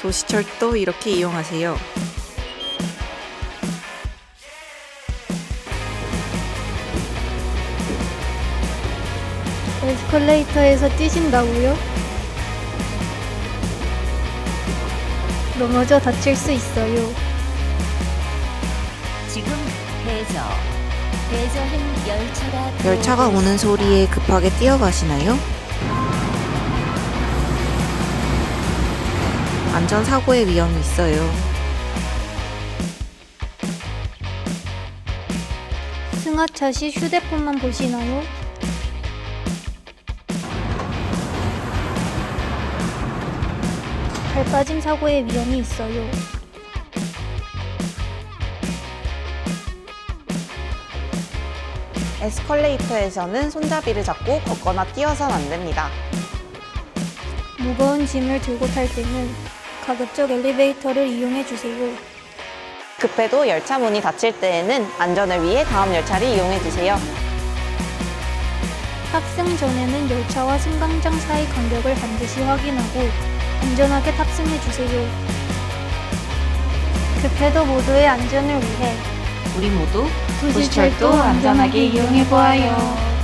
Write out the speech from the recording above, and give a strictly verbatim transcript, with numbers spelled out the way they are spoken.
도시철도 이렇게 이용하세요. 에스컬레이터에서 뛰신다고요? 넘어져 다칠 수 있어요. 지금 대저, 대저행 열차가 열차가 들어오고 오는 있습니다. 소리에 급하게 뛰어가시나요? 안전사고의 위험이 있어요. 승하차 시 휴대폰만 보시나요? 발 빠짐 사고의 위험이 있어요. 에스컬레이터에서는 손잡이를 잡고 걷거나 뛰어선 안 됩니다. 무거운 짐을 들고 탈 때는 가급적 엘리베이터를 이용해 주세요. 급해도 열차 문이 닫힐 때에는 안전을 위해 다음 열차를 이용해 주세요. 탑승 전에는 열차와 승강장 사이 간격을 반드시 확인하고 안전하게 탑승해 주세요. 급해도 모두의 안전을 위해 우리 모두 도시철도 안전하게 이용해 보아요.